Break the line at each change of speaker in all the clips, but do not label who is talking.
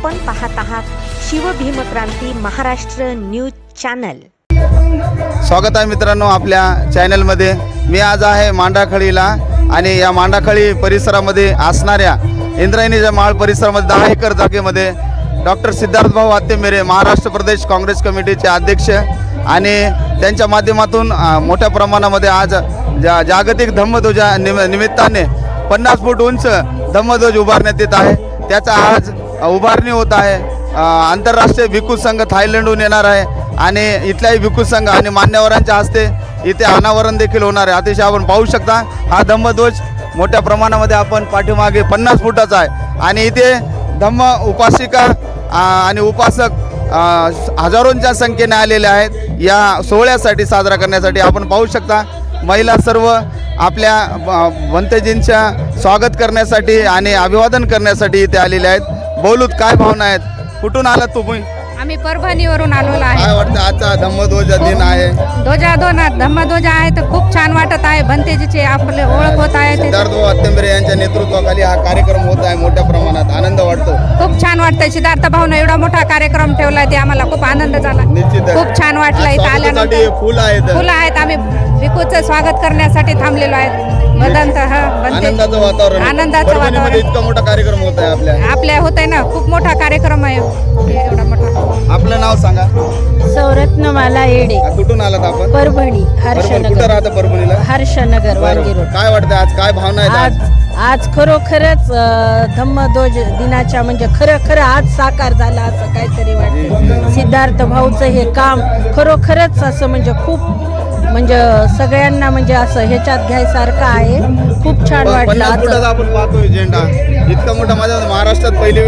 आपण पाहत आहात शिवभीमक्रांती महाराष्ट्र न्यूज चॅनल।
स्वागत आहे मित्रांनो आपल्या चॅनलमध्ये। मी आज आहे मांडाखळीला आणि या मांडाखळी परिसरामध्ये असणाऱ्या इंद्रायणीच्या माळ परिसरामध्ये 10 एकर जागेमध्ये डॉक्टर सिद्धार्थ भाऊ आत्तेमेरे महाराष्ट्र प्रदेश काँग्रेस कमिटीचे अध्यक्ष आणि त्यांच्या माध्यमातून मोठ्या प्रमाणामध्ये आज जागतिक धम्मध्वजा निमित्ताने 50 फूट उंच धम्मध्वज उभारण्यात येत आहे। त्याचा आज उभारणी होत आहे। आंतरराष्ट्रीय भिक्खू संघ थायलंडहून येणार आहे आणि इथल्याही भिक्खू संघ आणि मान्यवरांच्या हस्ते इथे अनावरण देखील होणार आहे। अतिशय आपण पाहू शकता हा धम्मध्वज मोठ्या प्रमाणामध्ये आपण पाठीमागे 50 फुटाचा आहे आणि इथे धम्म उपासिका आणि उपासक हजारोंच्या संख्येने आलेले आहेत या सोहळ्यासाठी साजरा करण्यासाठी। आपण पाहू शकता महिला सर्व आपल्या भंतेजींच्या स्वागत करण्यासाठी आणि अभिवादन करण्यासाठी इथे आलेले आहेत। बोलूत काय भावना आहेत? कुठून आलात तुम्ही?
आम्ही परभणीवरून आलेलो आहे।
काय वाटतं आजचा धम्मध्वज दिन आहे?
धम्मध्वज आहे तर खूप छान वाटत आहे। भंतेजीची आपले ओळख होत आहे।
सिद्धार्थ भाऊ आत्तेमेरे यांच्या नेतृत्वाखाली हा कार्यक्रम होत आहे। मोठ्या प्रमाणात आनंद वाटतो।
खूप छान वाटतंय। सिद्धार्थ भाऊने एवढा मोठा कार्यक्रम ठेवलाय ते आम्हाला खूप आनंद झाला।
निश्चित
खूप छान वाटलं इथं आल्यानंतर।
फुलं आहेत
आम्ही भिक्खूचं स्वागत करण्यासाठी थांबलेलो आहे।
आनंदाचं वातावरण परभणीमध्ये इतका मोठा कार्यक्रम होत आहे
आपल्या होत आहे ना। खूप मोठा कार्यक्रम आहे एवढा मोठा।
आपलं नाव सांगा?
सौरत्नमाला येडे।
कुठून आलात आपण?
परभणी
कुठं
हर्षनगर।
राहता परभणीला?
हर्षनगर वांगी रोड।
काय वाटतं आज काय भावना आहेत?
आज खरोखरच धम्मध्वज दिनाच्या म्हणजे खरं आज साकार झाला असं काहीतरी वाटतं। सिद्धार्थ भाऊचं हे काम खरोखरच असं म्हणजे खूप म्हणजे सगळ्यांना म्हणजे असं ह्याच्यात घ्यायसारखं आहे। खूप छान वाटलं।
आपण पाहतोय झेंडा इतका मोठा माझ्या महाराष्ट्रात पहिली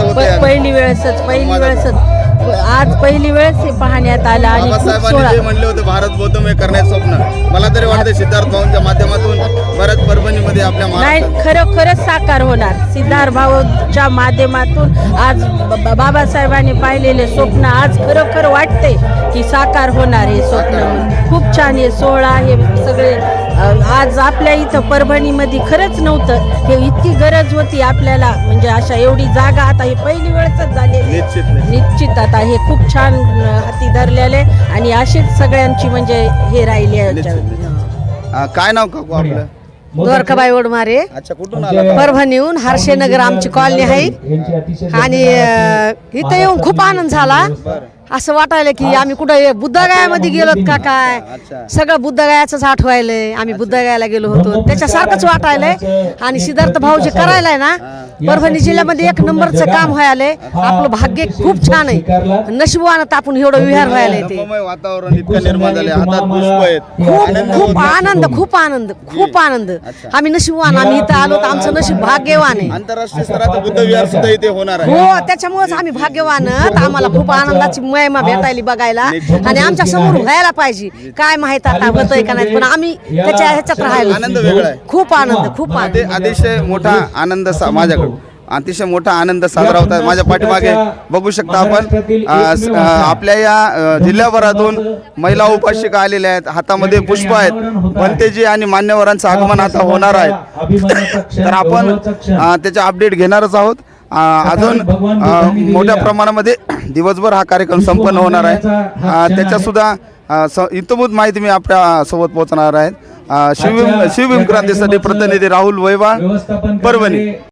वेळेसच
आज पहिली वेळेस हे पाहण्यात आलं आणि
बाबासाहेबांनी म्हणले होते भारत बौद्धमय करण्याचं स्वप्न मला तरी वाटतं सिद्धार्थ भाऊंच्या माध्यमातून बऱ्याच परभणीमध्ये आपल्या
नाही खरंच साकार होणार। सिद्धार्थ भाऊच्या माध्यमातून आज बाबासाहेबांनी पाहिलेले स्वप्न आज खरोखर वाटते की साकार होणार हे स्वप्न। खूप छान हे सोहळा हे सगळे आज आपल्या इथं परभणीमध्ये खरंच नव्हतं हे इतकी गरज होती आपल्याला म्हणजे अशा एवढी जागा आता ही पहिली वेळच झालेली निश्चित आता हे खूप छान हाती धरलेले आणि अशीच सगळ्यांची म्हणजे हे राहिली आहे।
काय नाव काकू आपलं?
द्वारकाबाई ओडमारे।
अच्छा कुठून आला?
परभणीहून हर्षनगर आमची कॉलनी आहे आणि इथं येऊन खूप आनंद झाला। असं वाटायला की आम्ही कुठं बुद्धगयामध्ये गेलोत का काय। सगळं बुद्धगयाचंच आठवायलंय। आम्ही बुद्धगयाला गेलो होतो त्याच्यासारखंच वाटायलंय आणि सिद्धार्थ भाऊ जे करायलाय ना परभणी जिल्ह्यामध्ये 1 नंबरचं काम व्हायलंय। आपलं भाग्य खूप छान आहे। नशिबानं आपण एवढं विहार व्हायलंय ते
वातावरण इतकं निर्माण झाले हातात पुष्प आहेत।
खूप आनंद आम्ही नशिबवान आम्ही इथं आलो तर आमचं नशीब भाग्यवान आहे।
आंतरराष्ट्रीय स्तराचं बुद्ध विहार सुद्धा इथे होणार आहे।
हो त्याच्यामुळेच आम्ही भाग्यवान आम्हाला खूप आनंदाची महिमा भेटायला बघायला आणि आमच्या समोर व्हायला पाहिजे। काय माहित आता होतंय का नाही पण आम्ही त्याच्या ह्याच्यात राहायला
आनंद वेगळा आहे।
खूप आनंद
अतिशय मोठा आनंद माझ्याकडे अतिशय मोठा आनंद साजरा होता। माझ्या पाठीमागे बघू शकता आपण आपल्या या जिल्ह्याभरातून महिला उपासिका आलेल्या आहेत। हातामध्ये पुष्प आहेत। भंतेजी आणि मान्यवरांचं आगमन आता होणार आहे तर आपण त्याचे अपडेट घेणारच आहोत। अजून मोठ्या प्रमाणामध्ये दिवसभर हा कार्यक्रम संपन्न होणार आहे। त्याच्या सुद्धा इतमूत माहिती मी आपल्या सोबत पोहोचणार आहे। शिवभीमक्रांतीसाठी प्रतिनिधी राहुल वैवाळ, परभणी।